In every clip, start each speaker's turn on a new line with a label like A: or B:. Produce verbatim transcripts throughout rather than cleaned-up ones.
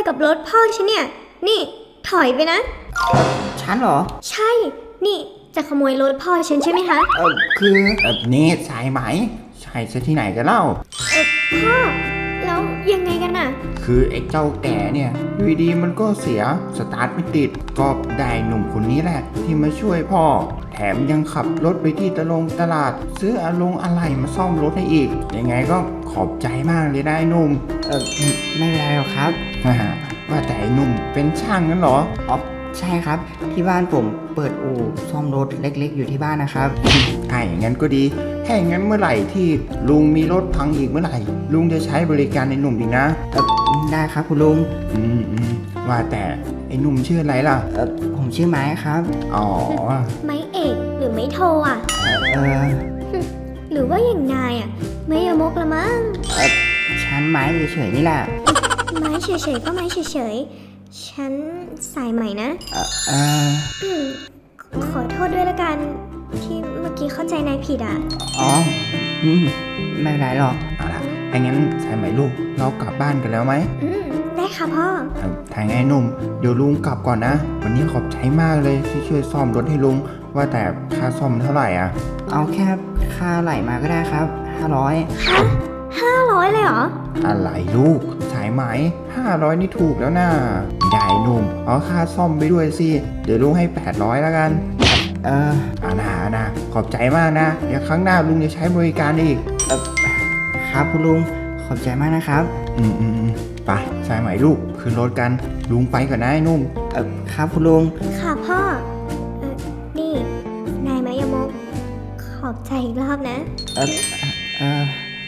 A: กับรถพ่อฉันเนี่ยนี่ถอยไปนะ
B: ฉันเหรอ
A: ใช่นี่จะขโมยรถพ่อฉันใช่ไหมคะ
B: เออคือเออนี่สายไหมใช่ซะที่ไหนกันเล่า
A: เออพ่อแล้วยังไงกันน่ะ
B: คือไอ้เจ้าแก่เนี่ยอยู่ดีมันก็เสียสตาร์ทไม่ติดก็ได้หนุ่มคนนี้แหละที่มาช่วยพ่อแถมยังขับรถไปที่ตลงตลาดซื้ออาลงอะไหล่มาซ่อมรถให้อีกยังไงก็ขอบใจมากเลยนะไอ้หนุ่มเออไม่เป็นไรหรอกครับว่าแต่ไอ้หนุ่มเป็นช่างนั้นเหรออ๋อใช่ครับที่บ้านผมเปิดอู่ซ่อมรถเล็กๆอยู่ที่บ้านนะครับถ้าอย่างนั้นก็ดีถ้าอย่างนั้นเมื่อไหร่ที่ลุงมีรถพังอีกเมื่อไหร่ลุงจะใช้บริการไอ้หนุ่มอีกนะเออได้ครับคุณลุงอืมอืมว่าแต่ไอ้หนุ่มชื่ออะไรล่ะเออผมชื่อไม้ครับอ๋อ
A: ไม้เอกหรือไม้โทอ่ะ
B: เออ
A: หรือว่าอย่างนายอ่ะไม่ยมกละมั้ง
B: เออฉันไม้เฉยๆนี่แหละ
A: ไม้เฉยๆก็ไม้เฉยๆฉันสายใหม่นะ
B: เออเออ
A: ขอโทษด้วยละกันที่เมื่อกี้เข้าใจนายผิดอ่ะ
B: อ๋ออืมไม่เป็นไรหรอกเอาล่ะถ้างั้นสายใหม่ลูกเรากลับบ้านกันแล้วไหม
A: อืมได้ค่ะพ่อ
B: ทางไงหนุ่มเดี๋ยวลุงกลับก่อนนะวันนี้ขอบใจมากเลยที่ช่วยซ่อมรถให้ลุงว่าแต่ค่าซ่อมเท่าไหร่อ่ะเอาแค่ค่าไหลมาก็ได้ครับห้าร้อย
A: ฮะห้าร้อยเลยเหรอ
B: อะไรลูกสายไหมห้าร้อยนี่ถูกแล้วนะได้หนุ่มเอาค่าซ่อมไปด้วยสิเดี๋ยวลุงให้แปดร้อยแล้วกันเอออานาอานาขอบใจมากนะเดี๋ยวครั้งหน้าลุงจะใช้บริการอีกเออครับคุณลุงขอบใจมากนะครับอืมอืมไปสายไหมลูกขึ้นรถกันลุงไปก่อนนะไอ้นุ่มเออครับคุณลุง
A: ค่ะพ่อเออนี่นายมายมกขอบใจอีกรอบนะ
B: เออเออ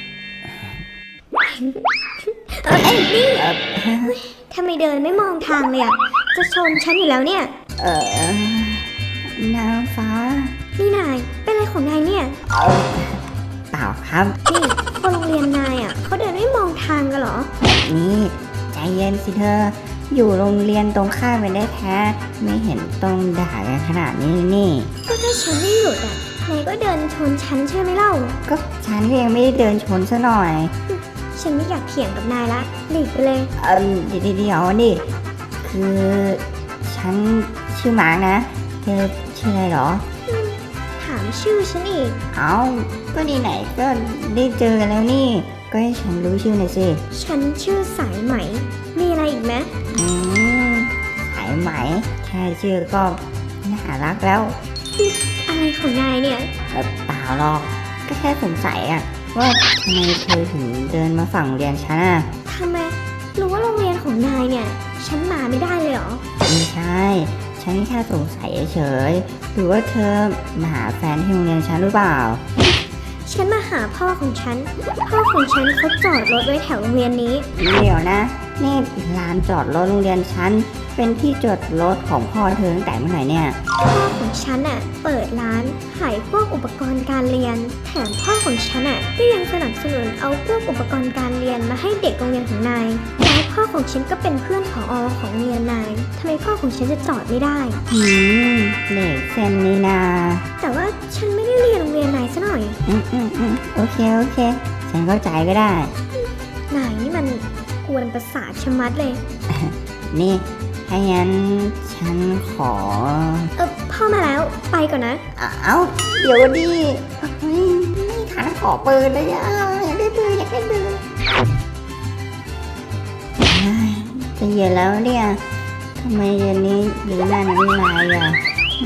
A: เอ้ยนี่ทำไมเดินไม่มองทางเลยอ่ะจะชนฉันอยู่แล้วเนี่ย
B: เออนางฟ้า
A: นี่นายเป็นอะไรของนายเนี่ย
B: เปล่าครับ
A: นี่คนโรงเรียนนายอ่ะเขาเดินไม่มองทางกันเหรอ
B: นี่ใจเย็นสิเธออยู่โรงเรียนตรงข้ามไปได้แท้ไม่เห็นต้องด่ากันขนาดนี้นี่
A: ก็ถ้าฉันไม่หยุดอ่ะนายก็เดินชนฉันใช่ไหมเล่า
B: ก็ฉันยังไม่ได้เดินชนซะหน่อย
A: ฉันไม่อยากเถียงกับนายละหลีกไปเลย
B: เออเดี๋ยวเดี๋ยวนี่คือฉันชื่อมาร์กนะเธอชื่ออะไรหรอ
A: ถามชื่อฉันอีก
B: เอ้าก็ดีไหนก็ได้เจอกันแล้วนี่ก็ให้ฉันรู้ชื่อหน่อยสิ
A: ฉันชื่อสายไหมมีอะไรอีกไหม
B: อืมสายไหมแค่ชื่อก็น่ารักแล้ว
A: อะไรของนายเนี่ย
B: เปล่าหรอกก็แค่สงสัยอะว่าทำไมเธอถึงเดินมาฝั่งเรียนฉันอะ
A: ทำไมรู้ว่าโรงเรียนของนายเนี่ยฉันมาไม่ได้เลยเหรอ
B: ไม่ใช่ฉันแค่สงสัยเฉยหรือว่าเธอมาหาแฟนที่โรงเรียนฉันหรือเปล่า
A: ฉันมาหาพ่อของฉันพ่อของฉันเขาจอดรถไว้แถวโรงเรียนนี้
B: เดี๋ยวนะนี่ลานจอดรถโรงเรียนฉันเป็นที่จอดรถของพ่อเธอตั้งแต่เมื่อไหร่เนี่ย
A: พ่อของฉันอ่ะเปิดร้านขายพวกอุปกรณ์การเรียนแถมพ่อของฉันอ่ะก็ยังสนับสนุนเอาพวกอุปกรณ์การเรียนมาให้เด็กโรงเรียนของนายแล้วพ่อของฉันก็เป็นเพื่อนผอ.ของโรงเรียนนายทำไมพ่อของฉันจะจอดไม่ได้
B: หืมเด็กเซนนี่นา
A: แต่ว่าฉันไม่ได้เรียนโรงเรียนนายซะหน่อย
B: อืมอืมอืมโอเคโอเคฉันเข้าใจก็ได้
A: นายนี่มันกวนประสาทชะมัดเลย
B: นี่ถ้างั้นฉันขอ
A: เออพ่อมาแล้วไปก่อนนะ
B: เอ้าเดี๋ยวดิไม่ไม่ทันขอปืนเลยอ่ะอยากได้ปืนอยากได้ปืนจะเย็นแล้วเนี่ยทำไมเย็นนี้หรือนั่นไม่มาอ่ะ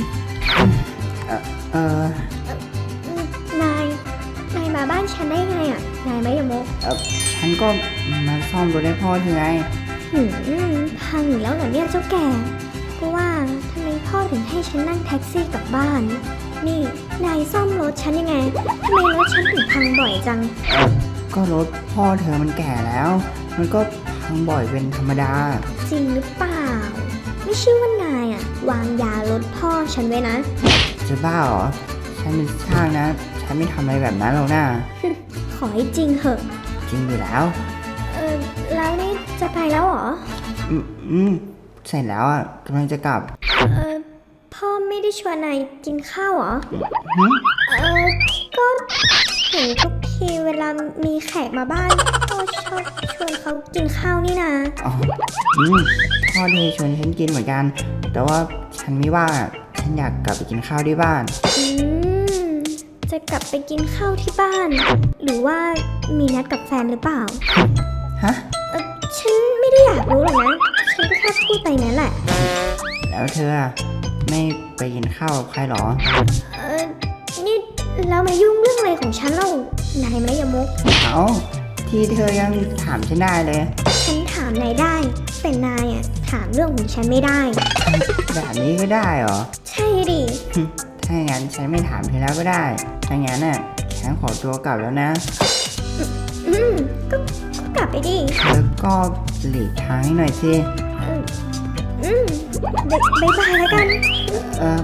B: เอ
A: อนายนายมาบ้านฉันได้ไงอ่ะนายไม่ยมก
B: เออฉันก็มาซ่อมรถให้พ่อเธอไง
A: หืมพังอีกแล้วเหรอเนี่ยเจ้าแก่ก็ว่าทำไมพ่อถึงให้ฉันนั่งแท็กซี่กลับบ้านนี่นายซ่อมรถฉันยังไงทำไมรถฉันถึงพังบ่อยจัง
B: ก็รถพ่อเธอมันแก่แล้วมันก็พังบ่อยเป็นธรรมดา
A: จริงหรือเปล่าไม่เชื่อว่านายอ่ะวางยารถพ่อฉันไว้นะ
B: จะบ้าเหรอฉันเป็นช่างนะฉันไม่ทำอะไรแบบนั้นหรอกนะ
A: ขอให้จริงเหอะ
B: จริงอยู่แล้ว
A: เออแล้วนี่จะไปแล้วเหรอ
B: อืมอืมเสร็จแล้วอ่ะกำลังจะกลับ
A: เออพ่อไม่ได้ชวนนายกินข้าวเหรอเออก็เห็นทุกทีเวลามีแขกมาบ้านพ่อชอบชวนเขากินข้าวนี่นะ
C: อ๋ออืมพ่อที่ชวนฉันกินเหมือนกัน แต่ว่าฉันไม่ว่างฉันอยากกลับไปกินข้าวที่บ้าน
A: อืม จะกลับไปกินข้าวที่บ้าน หรือว่ามีนัดกับแฟนหรือเปล่า
C: ฮะ
A: เออฉันไม่ได้อยากรู้หรอกนะ ฉันก็แค่พูดไปนั่นแหละ
C: แล้วเธอไม่ไปกินข้าวกับใครหรอ
A: เออนี่แล้วมายุ่งเรื่องอะไรของฉันเล่านายไม่ยมุก
C: เอาที่เธอยังถามฉันได้เลย
A: ฉันถามนายได้ แต่นายอ่ะถามเรื่องของฉันไม่ได้
C: แบบนี้ก็ได้เหรอ
A: ใช่ดิ
C: ถ้าอย่างนั้นฉันไม่ถามเธอแล้วก็ได้ ถ้างั้นน่ะฉันขอตัวกลับแล้วนะ
A: อืมก็ก็กลับไปดิ
C: แล้วก็หลีกทางให้หน่อยสิ
A: เอออืมบายบายบายแล้วกัน
C: เออ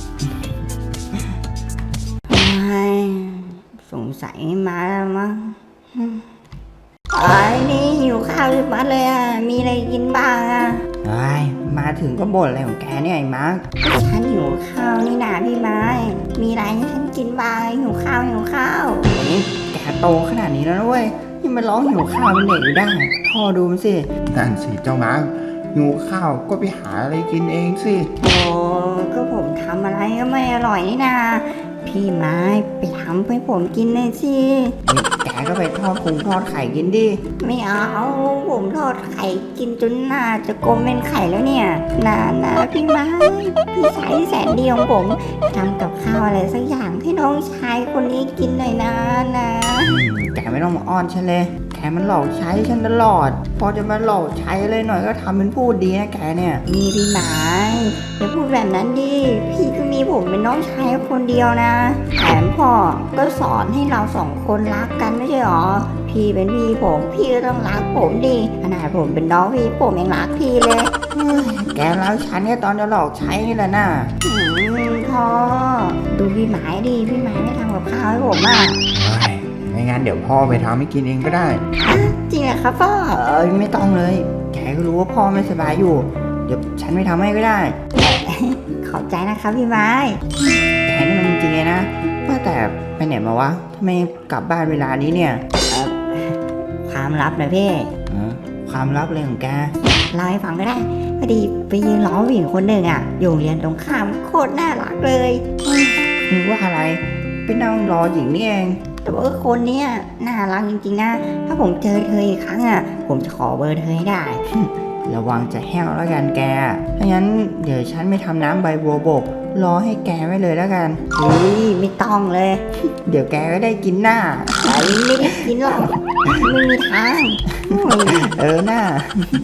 C: ไม่สงสัยไม่มาแล้วมั้งไอ้ยนี่หิวข้าวจะมัดเลยอ่ะ มีอะไรกินบ้างอ่ะไอ้ยมาถึงก็บ่นอะไรของแกเนี่ยไอ้มาร์คฉันหิวข้าวนี่นาพี่ไม้ มีอะไรให้ฉันกินบ้างหิวข้าวหิวข้าวนี่แกโตขนาดนี้แล้วนะเว้ยยังมาร้องหิวข้าวเป็นเด็กอยู่ได้ พ่อดูมันสิ
B: นั่นสิเจ้ามาร์คหิวข้าวก็ไปหาอะไรกินเองสิ
C: โอ้ก็ผมทำอะไรก็ไม่อร่อยนี่นา พี่ไม้ไปทำให้ผมกินเลยสินี่แกก็ไปทอดคงทอดไข่กินดิ ไม่เอา ผมทอดไข่กินจนหน้าจะกลมเป็นไข่แล้วเนี่ยนานาพี่ไม้ พี่ชายที่แสนดีของผมทำกับข้าวอะไรสักอย่างให้น้องชายคนนี้กินหน่อยนะนะแกไม่ต้องมาอ้อนฉันเลย แกมันหลอกใช้ฉันตลอด พอจะมาหลอกใช้อะไรหน่อยก็ทำเป็นพูดดีนะแกเนี่ยนี่พี่ไม้อย่าพูดแบบนั้นดิ พี่ก็มีผมเป็นน้องชายคนเดียวนะแถมพ่อก็สอนให้เราสองคนรักกันไม่ใช่หรอ พี่เป็นพี่ผม พี่ก็ต้องรักผมดิขนาดผมเป็นน้องพี่ผมยังรักพี่เลยเฮ้ยแกแล้วฉันเนี่ยตอนจะหลอกใช้นี่แหละน่ะอืมพ่อดูพี่ไม้ดิ พี่ไม้ไม่ทำกับข้าวให้ผมอ่ะ
B: เฮ้ยไม่งั้นเดี๋ยวพ่อไปทำให้กินเองก็ได้
C: จริงเหรอครับพ่อเอ้ยไม่ต้องเลย แกก็รู้ว่าพ่อไม่สบายอยู่ เดี๋ยวฉันไปทำให้ก็ได้ ขอบใจนะครับพี่ไม้แกนี่มันจริงเลยนะว่าแต่ไปไหนมาวะทำไมกลับบ้านเวลานี้เนี่ยความลับนะพี่ความลับเลยของแกเล่าให้ฟังก็ได้พอดีไปยืนล้อผู้หญิงคนหนึ่งอ่ะอยู่โรงเรียนตรงข้ามโคตรน่ารักเลยนึกว่าอะไรไปนั่งรอหญิงนี่เองแต่ว่าคนเนี้ยน่ารักจริงๆนะถ้าผมเจอเธออีกครั้งอ่ะผมจะขอเบอร์เธอให้ได้ ระวังจะแห้วแล้วกันแกถ้างั้นเดี๋ยวฉันไม่ทำน้ำใบบัวบกรอให้แกไว้เลยแล้วกันเฮ้ยไม่ต้องเลย เดี๋ยวแกก็ได้กินหน้าไอ้ไม่ได้กินหรอกไม่มีทางเออหน้า